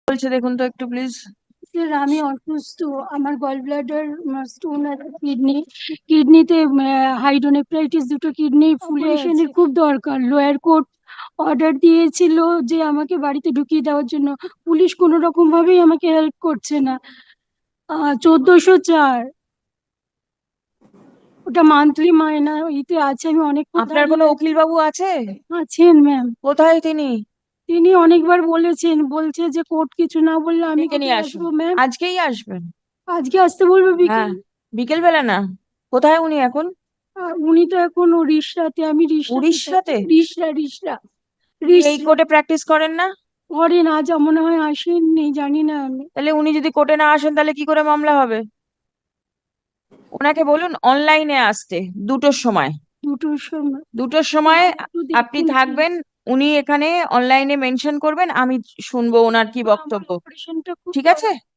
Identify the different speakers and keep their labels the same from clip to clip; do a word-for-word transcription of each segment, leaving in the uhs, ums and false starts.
Speaker 1: বলছে দেখুন তো একটু প্লিজ।
Speaker 2: স্যার আমি অসুস্থ, আমার গল ব্লাডার স্টোন আছে, কিডনি কিডনিতে হাইড্রোনেফ্রাইটিস, দুটো কিডনি ফুলেশনের খুব দরকার। লোয়ার কোর্ট অর্ডার দিয়েছিল যে আমাকে বাড়িতে ঢুকিয়ে দেওয়ার জন্য, পুলিশ কোনো রকম ভাবেই আমাকে হেল্প করছে না। আহ চোদ্দশো চার ওটা মান্থলি মায়না ইতে আছে। আমি অনেকক্ষণ
Speaker 1: আপনার কোনো
Speaker 2: দাঁড়িয়ে
Speaker 1: উকিল বাবু আছে?
Speaker 2: আছেন ম্যাম।
Speaker 1: কোথায় তিনি?
Speaker 2: তিনি অনেকবার বলেছেন, বলছে যে কোর্ট কিছু না বললে আমি
Speaker 1: ডেকে নিয়ে
Speaker 2: কোথায়
Speaker 1: আসুন,
Speaker 2: আসবো ম্যাম।
Speaker 1: আজকেই আসবেন।
Speaker 2: আজকে আসতে বলবো
Speaker 1: হ্যাঁ,
Speaker 2: বিকেল?
Speaker 1: বিকেল বেলা না। কোথায় উনি এখন?
Speaker 2: আর উনি তো এখন উড়িষ্যাতে, আমি রিষড়াতে থাকি।
Speaker 1: উড়িষ্যাতে?
Speaker 2: রিষড়া রিষড়া
Speaker 1: উনি এই
Speaker 2: রিষড়া
Speaker 1: কোর্টে প্র্যাকটিস করেন না?
Speaker 2: করেন, আজ মনে হয় আসেননি, জানি না আমি।
Speaker 1: তাহলে উনি যদি কোর্টে না আসেন তাহলে কি করে মামলা হবে? ওনাকে বলুন অনলাইনে আসতে দুটোর সময়।
Speaker 2: দুটোর সময়?
Speaker 1: দুটোর সময়
Speaker 2: একটু
Speaker 1: আপনি
Speaker 2: দেখুন প্লিজ।
Speaker 1: থাকবেন, উনি এখানে অনলাইনে মেনশন করবেন, আমি শুনবো ওনার কি
Speaker 2: আমার
Speaker 1: বক্তব্য।
Speaker 2: অপারেশনটা খুব
Speaker 1: ঠিক আছে?
Speaker 2: দরকার।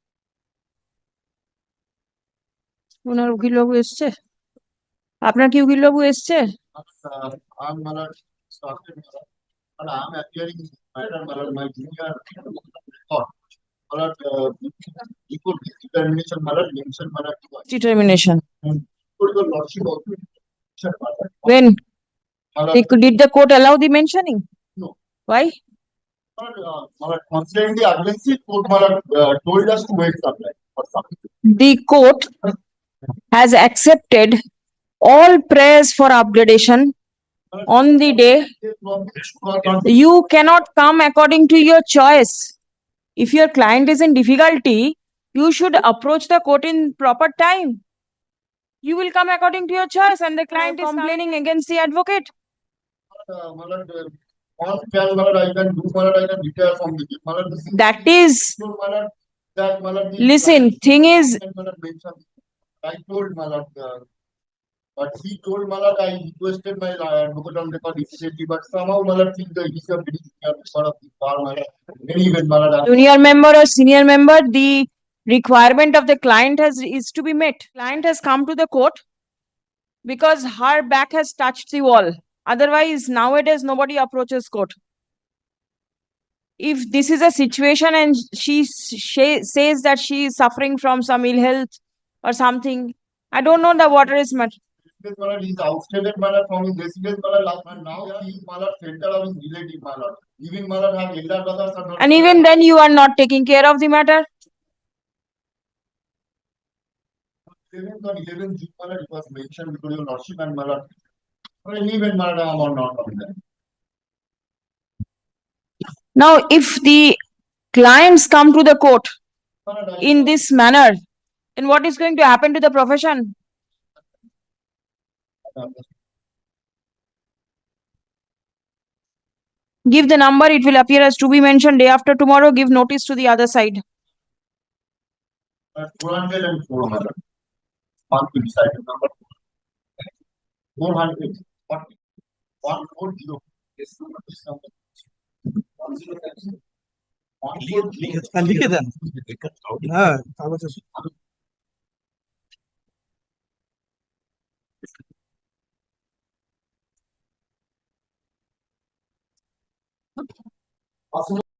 Speaker 1: ওনার উকিলবাবু এসছে? আপনার কি উকিলবাবু এসছে?
Speaker 3: Uh, I'm Malad, started Malad, and I'm appearing in matter Malad, my junior record. Malad, uh, equal determination Malad, mention Malad.
Speaker 1: Determination.
Speaker 3: Put your lordship also. mention Malad.
Speaker 1: When
Speaker 3: Malad,
Speaker 1: they, did the court allow the mentioning?
Speaker 3: no.
Speaker 1: Why?
Speaker 3: Malad, uh, Malad, considering the urgency, court Malad uh, told us to wait some time for something.
Speaker 1: The court has accepted all prayers for upgradation on the day. You cannot come according to your choice. If your client is in difficulty, you should approach the court in proper time. You will come according to your choice, and the client is complaining against the advocate.
Speaker 3: Uh, Malad, uh, on can Malad, I can do Malad, I can retire from the Malad.
Speaker 1: That is,
Speaker 3: Malad, that Malad.
Speaker 1: listen, thing is,
Speaker 3: Malad mentioned. I told Malad, uh, but he told Malad I requested my uh, advocate on record immediately, but somehow Malad think that he's a very senior member of the bar, Malad. Anyway, Malad.
Speaker 1: junior member or senior member, the requirement of the client has is to be met. Client has come to the court because her back has touched the wall. Otherwise, nowadays nobody approaches court. If this is a situation and she, she says that she is suffering from some ill health or something, I don't know the water is much.
Speaker 3: Malad is outstated Malad from his residence Malad last month. Now he is Malad center of his relative Malad. Even Malad have elder brothers and
Speaker 1: And even then you are not taking care of the matter.
Speaker 3: seventh or eleventh June Malad it was mentioned because your lordship and Malad. Well, anyway, Malad I am not on that.
Speaker 1: Now, if the clients come to the court
Speaker 3: Malad, I-
Speaker 1: in this manner, then what is going to happen to the profession? Give the number, it will appear as to be mentioned. Day after tomorrow, give notice to the other side.
Speaker 3: Uh, four hundred and four Malad. One to decide the number. Four hundred forty. One four zero. This number. This number. One zero seven. One four zero.
Speaker 4: লিখে দেন। হ্যাঁ কাগজ আছে।
Speaker 3: Possible.